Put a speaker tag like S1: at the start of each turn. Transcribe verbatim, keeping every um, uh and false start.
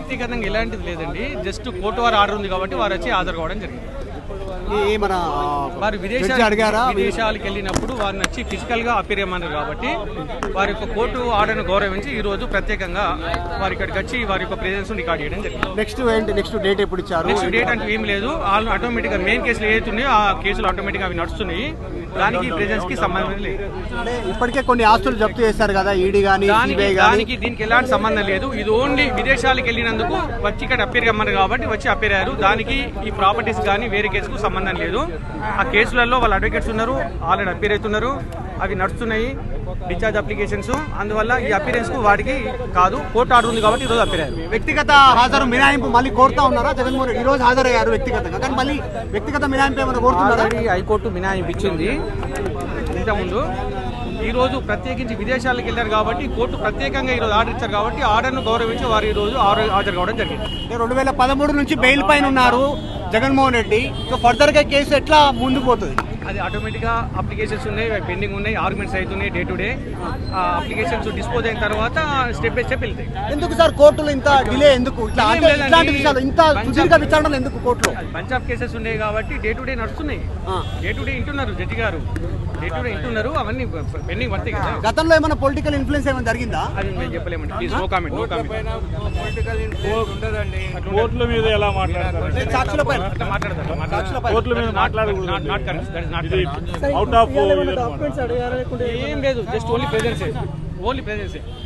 S1: వ్యక్తిగతంగా ఎలాంటిది లేదండి. జస్ట్ కోర్టు వారు ఆర్డర్ ఉంది కాబట్టి వారు వచ్చి హాజరు కావడం జరిగింది.
S2: మన
S1: వారు విదేశాలు అడిగారా విదేశాలకు వెళ్ళినప్పుడు వారిని వచ్చి ఫిజికల్ గా అపీర్ చేయమన్నారు కాబట్టి వారి యొక్క కోర్టు ఆర్డర్ను గౌరవించి ఈ రోజు ప్రత్యేకంగా వారి ఇక్కడికి వచ్చి వారి యొక్క ప్రెజెన్స్ రికార్డ్ చేయడం జరిగింది.
S2: నెక్స్ట్ ఏంటి నెక్స్ట్ డేట్ ఎప్పుడు ఇచ్చారు?
S1: నెక్స్ట్ డేట్ అంటే ఏం లేదు. వాళ్ళు ఆటోమేటిక్ గా మెయిన్ కేసులు ఏతున్నాయో ఆ కేసులు ఆటోమేటిక్ గా అవి నడుస్తున్నాయి. దానికి ప్రెజెన్స్ కి సంబంధం లేదు.
S2: ఇప్పటికే కొన్ని ఆస్తులు జప్తు చేశారు కదా ఈడీ గానీ
S1: దానికి దానికి దీనికి ఎలాంటి సంబంధం లేదు. ఇది ఓన్లీ విదేశాలకు వెళ్ళినందుకు వచ్చి ఇక్కడ అపీర్ కమ్మన్నారు కాబట్టి వచ్చి అపీర్ అయ్యారు. దానికి ఈ ప్రాపర్టీస్ కానీ వేరే కేసుకు సంబంధం లేదు. ఆ కేసులలో వాళ్ళ అడ్వకేట్స్ ఉన్నారు, ఆల్రెడీ అపీర్ అవుతున్నారు, అవి నడుస్తున్నాయి డిశ్చార్జ్ అప్లికేషన్స్. అందువల్ల ఈ అపీరెన్స్ కు వాడికి కాదు, కోర్టు ఆర్డర్ ఉంది కాబట్టి ఈ రోజు అపీర్ అయ్యారు.
S2: వ్యక్తిగత హాజరు మినహాయింపు మళ్ళీ కోరుతా ఉన్నారా జగన్మోహన్ రెడ్డి? ఈ రోజు హాజరయ్యారు వ్యక్తిగతంగా, కానీ మళ్ళీ వ్యక్తిగత మినహాయింపు ఏమైనా కోరుతున్నారా?
S1: హైకోర్టు మినహాయింపు ఇచ్చింది ఇంతకుముందు. ఈ రోజు ప్రత్యేకించి విదేశాలకు వెళ్ళారు కాబట్టి కోర్టు ప్రత్యేకంగా ఈ రోజు ఆర్డర్ ఇచ్చారు కాబట్టి ఆర్డర్ను గౌరవించి వారు ఈ రోజు హాజరు కావడం జరిగింది.
S2: రెండు వేల పదమూడు నుంచి బెయిల్ పైన ఉన్నారు జగన్మోహన్ రెడ్డి. సో ఫర్దర్ గా కేసు ఎట్లా ముందుకు పోతుంది?
S1: అది ఆటోమేటిక్ గా అప్లికేషన్స్ ఉన్నాయి, పెండింగ్ ఉన్నాయి, ఆర్గ్యుమెంట్స్ అవుతున్నాయి డే టు డే. ఆ అప్లికేషన్స్ డిస్పోజ్ అయిన తర్వాత స్టెప్ బై స్టెప్ వెళ్తాయి.
S2: ఎందుకు సార్ కోర్టులో ఇంత డిలే? ఎందుకు ఇట్లాంటి విషయాలు ఇంత సుదీర్ఘ విచారణలు ఎందుకు కోర్టులో?
S1: బంచ్ ఆఫ్ కేసెస్ ఉన్నాయి కాబట్టి డే టు డే నడుస్తున్నాయి. డే టు డే ఇంటున్నారు జడ్జి గారు, డే టు డే ఇంటున్నారు. అవన్నీ పెండింగ్ పడతాయి కదా.
S2: గతంలో ఏమైనా పొలిటికల్ ఇన్ఫ్లుయెన్స్ ఏమైనా జరిగిందా?
S1: అది మేము చెప్పలేమండి. Please no comment. No comment.
S3: కోర్టుల మీద ఎలా మాట్లాడతారు?
S2: సాక్షులపై
S1: మాట్లాడతారు.
S3: కోర్టుల మీద మాట్లాడకూడదు.
S1: Not correct. That is not
S3: out of
S1: ఏం లేదు. జస్ట్ ఓన్లీ ప్రెజెన్సే. ఓన్లీ ప్రెజెన్సే.